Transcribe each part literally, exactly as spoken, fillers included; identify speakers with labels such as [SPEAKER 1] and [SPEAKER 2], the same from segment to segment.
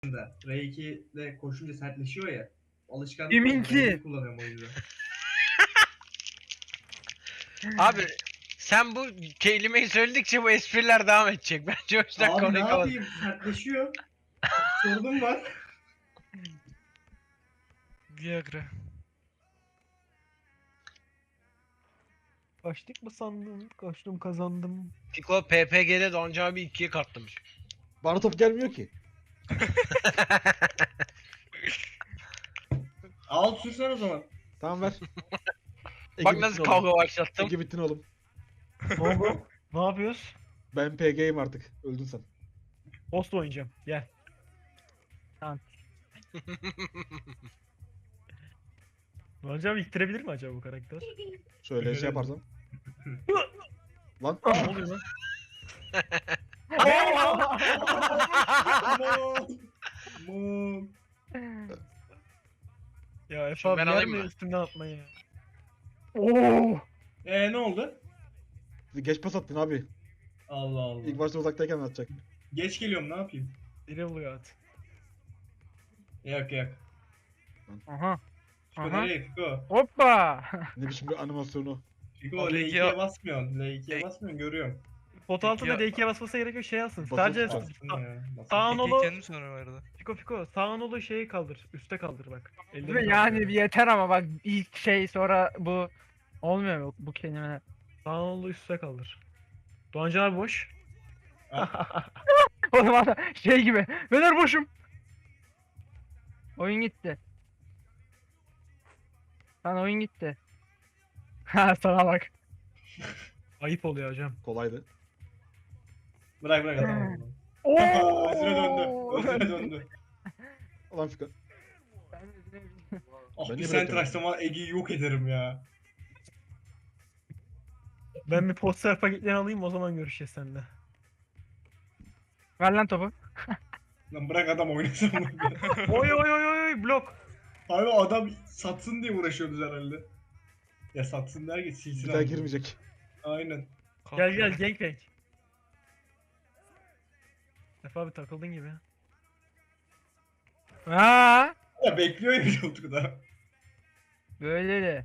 [SPEAKER 1] da. R iki'de koşunca sertleşiyor ya. Alışkanlık
[SPEAKER 2] Kiminki?
[SPEAKER 1] R iki'yi kullanıyorum o yüzden.
[SPEAKER 3] Abi sen bu kelimeyi söyledikçe bu espriler devam edecek. Bence o yüzden
[SPEAKER 1] Abi ne
[SPEAKER 3] konuyu kapat.
[SPEAKER 1] yapayım? Sertleşiyor. Sorunum var.
[SPEAKER 4] Viagra.
[SPEAKER 2] Kaçtık mı sandın? Kaçtım kazandım.
[SPEAKER 3] Piko P P G'de Donca abi ikiye katlamış.
[SPEAKER 5] Bana top gelmiyor ki.
[SPEAKER 1] Al sürsen o zaman.
[SPEAKER 5] Tamam ver.
[SPEAKER 3] Bak
[SPEAKER 5] Ege
[SPEAKER 3] nasıl
[SPEAKER 5] bittin
[SPEAKER 3] kavga
[SPEAKER 5] oğlum.
[SPEAKER 3] başlattım.
[SPEAKER 5] Ege bittin oğlum.
[SPEAKER 2] Ne oldu? Ne yapıyoruz?
[SPEAKER 5] Ben P G'yim artık. Öldün sen.
[SPEAKER 2] Post oynayacağım. Gel. Tamam. Hocam ittirebilir mi acaba bu karakter?
[SPEAKER 5] Şöyle şey yaparsam. Lan.
[SPEAKER 2] Ne oluyor lan?
[SPEAKER 1] Mom. Mom.
[SPEAKER 2] Ya Efe
[SPEAKER 3] Şimdi
[SPEAKER 2] abi
[SPEAKER 3] ben
[SPEAKER 2] yer
[SPEAKER 3] alayım
[SPEAKER 2] mi
[SPEAKER 3] mı?
[SPEAKER 2] üstümden atmayı ya? Oo!
[SPEAKER 1] Eee ne oldu?
[SPEAKER 5] Geç pas attın abi.
[SPEAKER 1] Allah Allah.
[SPEAKER 5] İlk başta uzaktayken atacak.
[SPEAKER 1] Geç geliyorum ne yapayım?
[SPEAKER 2] Biri oluyor at.
[SPEAKER 1] Yak yak.
[SPEAKER 2] Aha.
[SPEAKER 1] Fiko
[SPEAKER 2] Aha.
[SPEAKER 1] nereye Fiko?
[SPEAKER 2] Hoppa!
[SPEAKER 5] Ne biçim bir animasyonu.
[SPEAKER 1] Fiko
[SPEAKER 4] Abi,
[SPEAKER 1] L iki'ye
[SPEAKER 4] ya-
[SPEAKER 1] basmıyorsun. L iki'ye
[SPEAKER 4] E-
[SPEAKER 1] basmıyorsun görüyorum.
[SPEAKER 2] Pot altında
[SPEAKER 4] Ya-
[SPEAKER 2] D iki'ye basması gerekiyor şey alsın.
[SPEAKER 5] Basılı
[SPEAKER 2] Sadece
[SPEAKER 5] tutacağız.
[SPEAKER 1] Bastın
[SPEAKER 2] sa-
[SPEAKER 1] ya. Bastın.
[SPEAKER 2] sağ
[SPEAKER 4] Peki
[SPEAKER 2] nolu
[SPEAKER 4] kendim sonra arada.
[SPEAKER 2] Fiko Fiko sağ nolu şeyi kaldır. Üste kaldır bak. Ellerini
[SPEAKER 6] Ve
[SPEAKER 2] kaldır.
[SPEAKER 6] yani bir yeter ama bak ilk şey sonra bu olmuyor mu bu kelime?
[SPEAKER 2] Sağ nolu üste kaldır. Doğancan abi boş.
[SPEAKER 6] O zaman da şey gibi. Beyler boşum. Oyun gitti. Lan oyun gitti. Ha sana bak.
[SPEAKER 2] Ayıp oluyor hocam.
[SPEAKER 5] Kolaydı.
[SPEAKER 1] Bırak bırak adam.
[SPEAKER 6] Oo!
[SPEAKER 1] Özüne döndü. Özüne döndü.
[SPEAKER 5] Ulan Fika.
[SPEAKER 1] Ah
[SPEAKER 5] Ben
[SPEAKER 1] bir
[SPEAKER 5] niye
[SPEAKER 1] sen
[SPEAKER 5] bırakıyorum?
[SPEAKER 1] tıraşlama Ege'yi yok ederim ya.
[SPEAKER 2] Ben bir poster paketlerini alayım o zaman görüşeceğiz seninle.
[SPEAKER 6] Ver lan topu.
[SPEAKER 1] Lan bırak adam oynasın bunu.
[SPEAKER 2] Oy oy oy oy oy blok.
[SPEAKER 1] Abi adam satsın diye uğraşıyoruz herhalde. Ya satsın derken silsin
[SPEAKER 5] Bir daha
[SPEAKER 1] abi.
[SPEAKER 5] girmeyecek.
[SPEAKER 1] Aynen.
[SPEAKER 2] Gel gel gangbang. Efe abi takıldın gibi.
[SPEAKER 6] Ha,
[SPEAKER 1] Ya bekliyor ya çocuk da.
[SPEAKER 6] böyle de.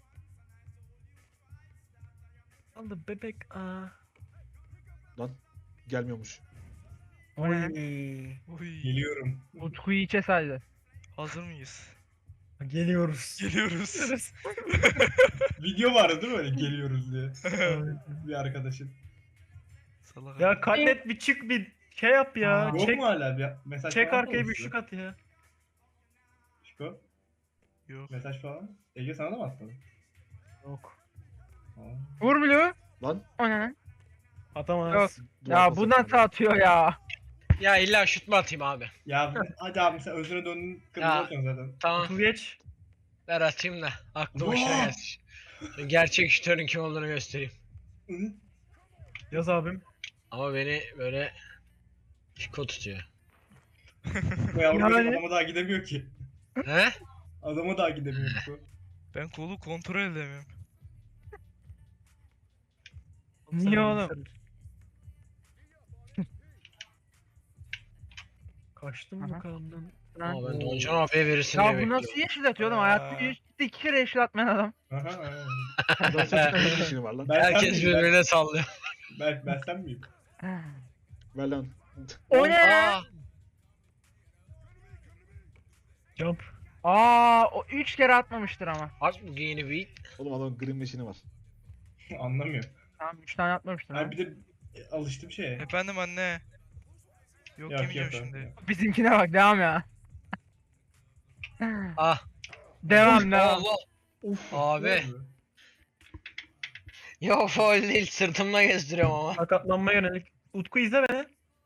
[SPEAKER 2] Aldı bebek aa.
[SPEAKER 5] Lan. Gelmiyormuş.
[SPEAKER 6] O ne?
[SPEAKER 2] Oy.
[SPEAKER 4] Oy.
[SPEAKER 1] Geliyorum.
[SPEAKER 6] Utku'yu içe saydı.
[SPEAKER 4] Hazır mıyız?
[SPEAKER 2] Geliyoruz.
[SPEAKER 4] Geliyoruz.
[SPEAKER 1] Video vardı değil mi öyle geliyoruz diye. Bir arkadaşın.
[SPEAKER 4] Salak
[SPEAKER 2] Ya
[SPEAKER 4] adam.
[SPEAKER 2] katlet bir çık bir şey yap ya.
[SPEAKER 6] Aa.
[SPEAKER 1] Yok
[SPEAKER 2] çek
[SPEAKER 1] mu hala bir mesaj
[SPEAKER 2] çek
[SPEAKER 1] falan
[SPEAKER 2] arkaya
[SPEAKER 1] mı
[SPEAKER 2] bir
[SPEAKER 1] size?
[SPEAKER 2] şık at ya.
[SPEAKER 1] Fiko,
[SPEAKER 4] Yok.
[SPEAKER 1] mesaj falan. Ege sana da mı atmadı?
[SPEAKER 2] Yok.
[SPEAKER 1] Aa.
[SPEAKER 6] Vur Blue.
[SPEAKER 5] Lan.
[SPEAKER 6] O ne?
[SPEAKER 2] Atamaz.
[SPEAKER 6] Yok.
[SPEAKER 5] duvar
[SPEAKER 6] Ya
[SPEAKER 5] pas
[SPEAKER 6] bu
[SPEAKER 5] attın
[SPEAKER 6] nasıl
[SPEAKER 5] abi.
[SPEAKER 6] atıyor ya?
[SPEAKER 3] Ya illa şut mu atayım abi?
[SPEAKER 1] Ya hadi abi sen özüne döndün kırmızı
[SPEAKER 3] Ya.
[SPEAKER 1] atıyorsun zaten.
[SPEAKER 3] Tamam
[SPEAKER 2] Otur geç.
[SPEAKER 3] ver atayım da aklı başına
[SPEAKER 1] Vaa!
[SPEAKER 3] gelsin. Gerçek şutörün kim olduğunu göstereyim.
[SPEAKER 1] Hı?
[SPEAKER 2] Yaz abim.
[SPEAKER 3] Ama beni böyle Piko tutuyor.
[SPEAKER 1] Bu yavrum
[SPEAKER 6] Yani-
[SPEAKER 1] benim adama daha gidemiyor ki.
[SPEAKER 3] He?
[SPEAKER 1] Adama daha gidemiyor Fiko.
[SPEAKER 4] Ben kolu kontrol edemiyorum.
[SPEAKER 6] Niye oğlum?
[SPEAKER 2] Kaçtım
[SPEAKER 6] Aha.
[SPEAKER 2] bakalım.
[SPEAKER 6] Lan.
[SPEAKER 3] Ama ben Doncan abiye verirsin
[SPEAKER 6] Ya
[SPEAKER 3] diye
[SPEAKER 6] bu
[SPEAKER 3] bekliyorum.
[SPEAKER 6] nasıl yeşil atıyor oğlum?
[SPEAKER 4] Aa.
[SPEAKER 6] Hayatta yüz iki kere yeşil atmayan adam.
[SPEAKER 1] Aha, aha.
[SPEAKER 5] Adam saçma bir işini var lan.
[SPEAKER 1] Ben sen
[SPEAKER 3] Herkes
[SPEAKER 1] miyim?
[SPEAKER 3] birbirine sallıyor.
[SPEAKER 1] Ben, ben, ben sen miyim?
[SPEAKER 5] Ver lan.
[SPEAKER 6] O ne?
[SPEAKER 3] Aa,
[SPEAKER 2] Jump.
[SPEAKER 6] Aa, o üç kere atmamıştır ama.
[SPEAKER 3] aç bu giyini bir.
[SPEAKER 5] Oğlum adamın green machine'i var.
[SPEAKER 1] Anlamıyor.
[SPEAKER 6] Tamam üç tane atmamıştır ha.
[SPEAKER 1] Abi bir de e, alıştım şeye.
[SPEAKER 4] Efendim anne. Yok,
[SPEAKER 1] Yok,
[SPEAKER 4] yemeyeceğim
[SPEAKER 1] yok,
[SPEAKER 4] şimdi.
[SPEAKER 1] yok.
[SPEAKER 6] Bizimkine bak devam ya.
[SPEAKER 3] Ah.
[SPEAKER 6] Devam devam.
[SPEAKER 3] Allah.
[SPEAKER 5] Uf.
[SPEAKER 3] Abi.
[SPEAKER 1] Ne oldu?
[SPEAKER 3] Yo faul değil sırtımla gezdiriyorum ama.
[SPEAKER 2] Sakatlanmaya yönelik. Utku izle beni.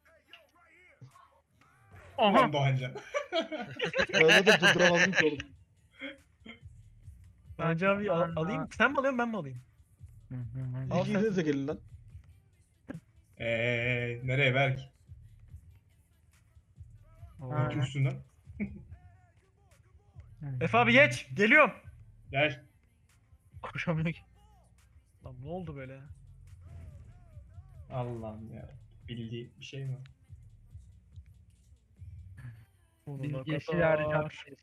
[SPEAKER 6] Aha.
[SPEAKER 1] Ulan Doğancan.
[SPEAKER 5] Ben zaten durduramazdım ki oğlum.
[SPEAKER 2] Bence abi al- alayım. Sen mi alıyorsun ben mi alayım? Al sen.
[SPEAKER 5] İkiniz de gelin lan.
[SPEAKER 1] Eee nereye Berk?
[SPEAKER 6] Ha.
[SPEAKER 1] Kim üstünden?
[SPEAKER 2] Efe abi geç. Geliyorum.
[SPEAKER 1] Gel.
[SPEAKER 6] Koşamıyor ki.
[SPEAKER 2] Lan ne oldu böyle?
[SPEAKER 1] Allah'ım ya. Bildiği bir şey mi?
[SPEAKER 6] Biz
[SPEAKER 2] Sonuna
[SPEAKER 6] yeşil
[SPEAKER 2] kadar.
[SPEAKER 6] hariç atmışız.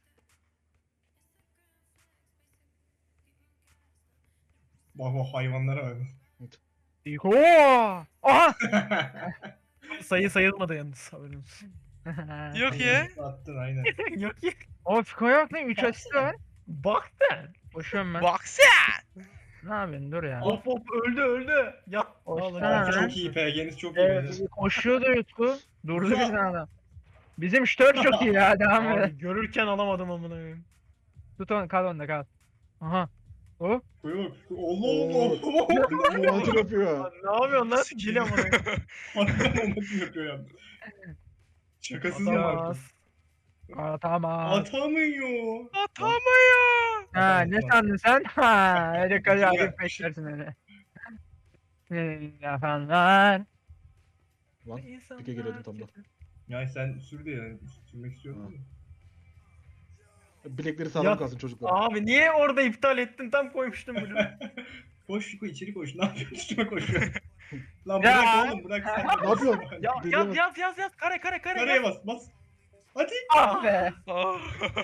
[SPEAKER 1] Bak bak hayvanlara bak.
[SPEAKER 6] Oo! Aha!
[SPEAKER 2] Sayı sayılmadı yalnız haberin olsun.
[SPEAKER 4] Yok ya.
[SPEAKER 1] Attın aynen.
[SPEAKER 2] Yok ya.
[SPEAKER 6] O Fiko yok lan üç asist var.
[SPEAKER 2] Bak sen.
[SPEAKER 6] Koşuyorum ben.
[SPEAKER 4] Bak sen.
[SPEAKER 6] Ne yapıyorsun dur ya.
[SPEAKER 2] Hop hop öldü öldü. Ya.
[SPEAKER 6] Hoş
[SPEAKER 2] Vallahi
[SPEAKER 6] geldin.
[SPEAKER 1] Abi
[SPEAKER 6] Ha.
[SPEAKER 1] çok iyi P G'niz çok iyi.
[SPEAKER 6] Evet,
[SPEAKER 1] beyler.
[SPEAKER 6] koşuyordu Utku. Durdu
[SPEAKER 1] Güzel.
[SPEAKER 6] birden adam. Bizim ştör çok iyi ya devam
[SPEAKER 2] Abi,
[SPEAKER 6] et.
[SPEAKER 2] görürken alamadım amına koyayım.
[SPEAKER 6] Tut onu kal onda kal. Aha. O.
[SPEAKER 1] Koy bak. Allah Allah.
[SPEAKER 5] Monitör yapıyor.
[SPEAKER 2] Lan ne yapıyorsun lan? Gel amına koyayım.
[SPEAKER 1] Harbiden onu kim yapıyor yalnız. Şakasız mı
[SPEAKER 2] Atamaz.
[SPEAKER 1] artık?
[SPEAKER 6] Aa, tamam.
[SPEAKER 1] Atamıyor.
[SPEAKER 4] Atamıyor.
[SPEAKER 6] Ha ne sandın sen? Ha öyle kadar
[SPEAKER 1] Ya.
[SPEAKER 6] ayıp beklersin öyle. Efendim lan.
[SPEAKER 5] Lan
[SPEAKER 2] İnsanlar
[SPEAKER 5] pike geliyordum tam da.
[SPEAKER 1] Ya sen sür diye yani. Sürmek istiyordun
[SPEAKER 5] Ha.
[SPEAKER 1] ya.
[SPEAKER 5] Bilekleri sağlam
[SPEAKER 2] Ya-
[SPEAKER 5] kalsın çocuklar.
[SPEAKER 2] Abi niye orada iptal ettin? Tam koymuştum bunu.
[SPEAKER 1] Koş Fiko içeri koş. Ne yapıyorsun? Üstüme koşuyor. Lan
[SPEAKER 6] Ya.
[SPEAKER 1] bırak oğlum bırak sen.
[SPEAKER 5] Ne yapıyorsun?
[SPEAKER 2] Ya
[SPEAKER 5] Deliye
[SPEAKER 2] yaz
[SPEAKER 5] bak.
[SPEAKER 2] yaz yaz yaz. Kare kare kare.
[SPEAKER 1] Nereye
[SPEAKER 2] yaz.
[SPEAKER 1] bas bas. Hadi.
[SPEAKER 6] Ah be.
[SPEAKER 4] Ah.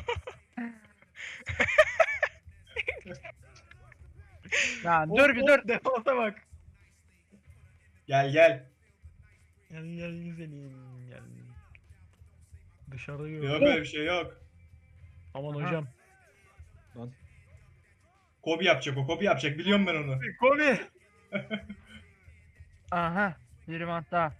[SPEAKER 6] Lan
[SPEAKER 2] Hop,
[SPEAKER 6] dur bir
[SPEAKER 2] hop,
[SPEAKER 6] dur.
[SPEAKER 2] Defansa bak.
[SPEAKER 1] Gel gel.
[SPEAKER 2] Gel gel güzelim gel. Dışarıda
[SPEAKER 1] Yok
[SPEAKER 2] gör.
[SPEAKER 1] öyle bir şey yok.
[SPEAKER 2] Aman
[SPEAKER 6] Aha.
[SPEAKER 2] hocam.
[SPEAKER 1] Kobi yapacak o. Kobi yapacak. Biliyorum ben onu.
[SPEAKER 2] Kobi.
[SPEAKER 6] Aha. Bir mant daha.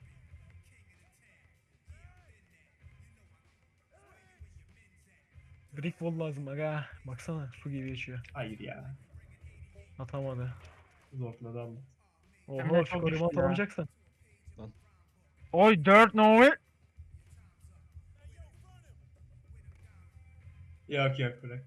[SPEAKER 2] Brick wall lazım aga. Baksana su gibi geçiyor.
[SPEAKER 1] Hayır ya.
[SPEAKER 2] Atamadı.
[SPEAKER 1] Zorladı ama.
[SPEAKER 6] Hem de
[SPEAKER 2] Oho
[SPEAKER 6] çok
[SPEAKER 2] şu korumu
[SPEAKER 6] güçlü ya.
[SPEAKER 2] atamayacaksın.
[SPEAKER 6] Oy dört Novi.
[SPEAKER 1] Yok yok bırak.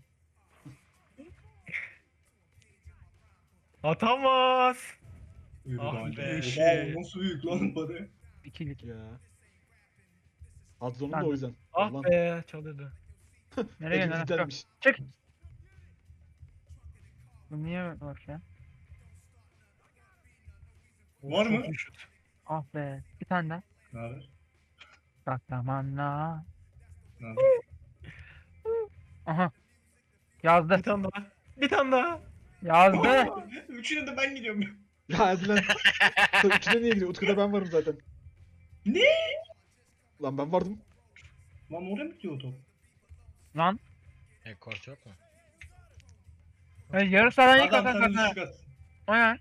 [SPEAKER 2] Atamaz.
[SPEAKER 1] Yürü
[SPEAKER 2] Ah
[SPEAKER 1] daha önce.
[SPEAKER 2] be.
[SPEAKER 1] Oha,
[SPEAKER 4] Şey.
[SPEAKER 1] nasıl büyük lan bari.
[SPEAKER 6] İkilik.
[SPEAKER 5] Ya. Alt zonum
[SPEAKER 6] Lan.
[SPEAKER 5] da o yüzden.
[SPEAKER 2] Ah
[SPEAKER 5] Lan.
[SPEAKER 2] be çalıyordu.
[SPEAKER 6] Nereye
[SPEAKER 5] Elim
[SPEAKER 6] gidiyorsun?
[SPEAKER 5] gidermiş.
[SPEAKER 6] Çık. Bu niye var ya?
[SPEAKER 1] Var mı?
[SPEAKER 2] Çok iyi şut.
[SPEAKER 6] Ah be. Bir tane daha.
[SPEAKER 1] Ne haber?
[SPEAKER 6] Bak zamanla.
[SPEAKER 1] Ne haber?
[SPEAKER 6] Aha. Yazdı.
[SPEAKER 2] Bir tane daha. Bir tane daha.
[SPEAKER 6] Yazdı.
[SPEAKER 1] Üçüne de ben gidiyorum.
[SPEAKER 5] Ya hadi lan. Sen üçüne niye gidiyor? Utku'da ben varım zaten.
[SPEAKER 1] Ne?
[SPEAKER 5] Lan ben vardım.
[SPEAKER 1] Lan oraya mı gidiyor o top?
[SPEAKER 6] Lan.
[SPEAKER 3] E kort yok mu?
[SPEAKER 6] Hey, yarı sahadan ilk
[SPEAKER 1] Adam
[SPEAKER 6] atan
[SPEAKER 1] sana
[SPEAKER 6] kadına.
[SPEAKER 1] düşük at.
[SPEAKER 6] O ne?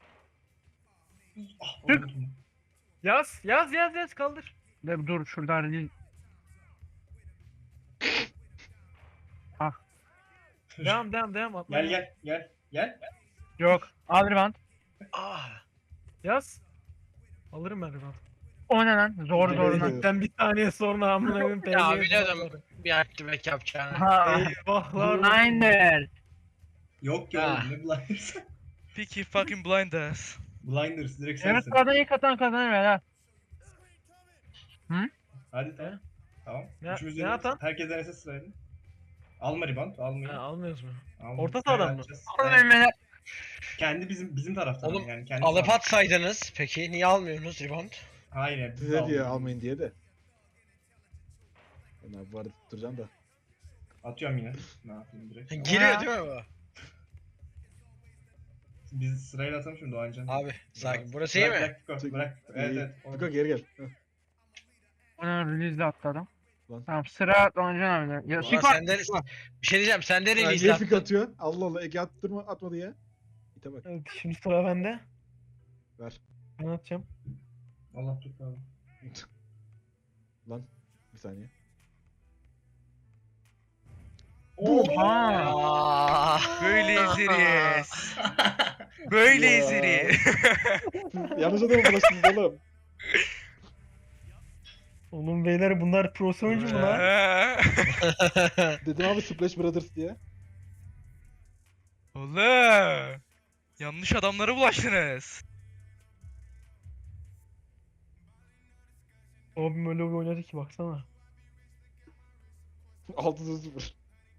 [SPEAKER 1] Ah,
[SPEAKER 6] Çık.
[SPEAKER 1] unuttum.
[SPEAKER 2] Yaz yaz yaz yaz kaldır.
[SPEAKER 6] Dur dur şuradan değil.
[SPEAKER 2] Devam devam devam atma.
[SPEAKER 1] Gel gel gel. Gel.
[SPEAKER 6] Yok. Al rebound.
[SPEAKER 3] Ah.
[SPEAKER 2] Yaz. Alırım ben rebound.
[SPEAKER 6] O ne lan? Zor
[SPEAKER 5] Gel,
[SPEAKER 6] zor
[SPEAKER 5] gel.
[SPEAKER 6] lan.
[SPEAKER 2] Ben bir saniye sonra amına koyayım.
[SPEAKER 3] Ya
[SPEAKER 2] P G'ye
[SPEAKER 3] biliyordum
[SPEAKER 2] sallarım.
[SPEAKER 3] bir activate yapacağını.
[SPEAKER 6] Ha.
[SPEAKER 2] Eyvahlar. olsun.
[SPEAKER 6] Blinder.
[SPEAKER 1] Yok ya
[SPEAKER 3] Ah.
[SPEAKER 1] ne blinders.
[SPEAKER 4] Peaky fucking blinders.
[SPEAKER 1] Blinders direkt
[SPEAKER 6] Yarı
[SPEAKER 1] sensin.
[SPEAKER 6] sahadan ilk atan kazanır ver ha.
[SPEAKER 1] Hadi tamam. Tamam.
[SPEAKER 2] Ne-
[SPEAKER 1] Üçümüz
[SPEAKER 2] ne
[SPEAKER 1] de
[SPEAKER 2] atan?
[SPEAKER 1] herkes denese sırayla. Alma rebound, almayın.
[SPEAKER 2] Ha, almıyoruz mu?
[SPEAKER 1] Alma.
[SPEAKER 2] orta
[SPEAKER 1] Sırayla
[SPEAKER 2] sahadan mı?
[SPEAKER 1] atacağız.
[SPEAKER 6] Oğlum
[SPEAKER 1] Evet.
[SPEAKER 6] Emre'ler.
[SPEAKER 1] Kendi bizim bizim taraftan
[SPEAKER 3] Oğlum,
[SPEAKER 1] yani kendi
[SPEAKER 3] Alıp
[SPEAKER 1] taraf-
[SPEAKER 3] atsaydınız peki niye almıyorsunuz rebound?
[SPEAKER 1] Hayır ya, biz de
[SPEAKER 5] Size diye
[SPEAKER 1] almıyoruz.
[SPEAKER 5] almayın diye de. Ben abi bu arada tutturacağım da.
[SPEAKER 1] Atıyorum yine. Ne yapayım direkt.
[SPEAKER 3] Giriyor
[SPEAKER 6] Ha.
[SPEAKER 3] değil mi bu?
[SPEAKER 1] Biz sırayla atalım şimdi Doğancan.
[SPEAKER 3] Abi sakin. Burası iyi
[SPEAKER 1] Bırak,
[SPEAKER 3] mi?
[SPEAKER 1] Bırak, Fiko,
[SPEAKER 5] Çek-
[SPEAKER 1] bırak. Evet evet.
[SPEAKER 5] Fiko geri gel. Heh.
[SPEAKER 6] Ona release'le atladım.
[SPEAKER 5] Lan.
[SPEAKER 6] Tamam sıra Doncan abi. Ya
[SPEAKER 3] Ulan
[SPEAKER 6] Fiko.
[SPEAKER 3] senden bir şey diyeceğim senden
[SPEAKER 5] Ya
[SPEAKER 3] release
[SPEAKER 5] niye Fiko
[SPEAKER 3] attın.
[SPEAKER 5] atıyor? Allah Allah Ege attırma atmadı ya. İte bak.
[SPEAKER 2] Evet, şimdi sıra bende.
[SPEAKER 5] Ver.
[SPEAKER 2] Ben atacağım.
[SPEAKER 1] Allah tut abi.
[SPEAKER 5] Lan bir saniye.
[SPEAKER 6] Oha.
[SPEAKER 3] Aa.
[SPEAKER 4] Böyle ezeriz. Böyle
[SPEAKER 5] Ya.
[SPEAKER 4] ezeriz.
[SPEAKER 5] Yanlış adamı bulaştınız oğlum.
[SPEAKER 2] Oğlum beyler bunlar pro oyuncu mu lan?
[SPEAKER 4] Ha.
[SPEAKER 5] Dedim abi Splash Brothers diye.
[SPEAKER 4] Oğlum. Yanlış adamlara bulaştınız.
[SPEAKER 2] Abim öyle bir oynadı ki baksana.
[SPEAKER 5] altı sıfır.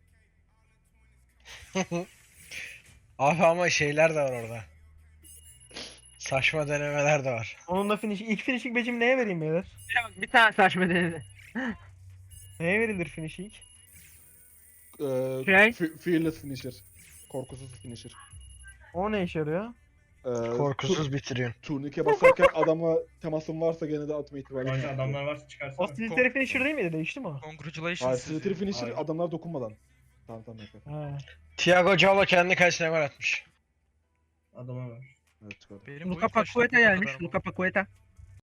[SPEAKER 3] Abi ama şeyler de var orada. Saçma denemeler de var.
[SPEAKER 2] Onun da finish, ilk finishing becimi neye vereyim beyler?
[SPEAKER 6] Bir tane saçma denedi.
[SPEAKER 2] Neye verilir finishing?
[SPEAKER 5] Ee,
[SPEAKER 6] Şey?
[SPEAKER 5] fe- Fearless finisher. Korkusuz finisher.
[SPEAKER 2] O ne işe yarıyor?
[SPEAKER 5] Ee, tu-
[SPEAKER 3] Korkusuz bitiriyorsun.
[SPEAKER 5] turnike basarken adama temasın varsa gene de atma ihtimali
[SPEAKER 1] Bence
[SPEAKER 5] var.
[SPEAKER 1] adamlar varsa
[SPEAKER 2] O
[SPEAKER 1] çıkarsana.
[SPEAKER 2] Silitary finisher değil miydi? Değişti mi o?
[SPEAKER 4] Congratulations
[SPEAKER 5] Hayır,
[SPEAKER 4] sizi.
[SPEAKER 5] Slither finisher
[SPEAKER 1] Hayır.
[SPEAKER 5] adamlar dokunmadan. Tamam tamam yapar.
[SPEAKER 2] Ha.
[SPEAKER 3] Thiago Jalo kendi kalesine gol atmış.
[SPEAKER 1] Adama var.
[SPEAKER 5] Evet çıkardım.
[SPEAKER 4] Benim
[SPEAKER 6] Luka
[SPEAKER 4] boyut kaçtı,
[SPEAKER 6] Paqueta
[SPEAKER 4] bu kadar
[SPEAKER 6] gelmiş.
[SPEAKER 4] ama.
[SPEAKER 6] Luka Paqueta.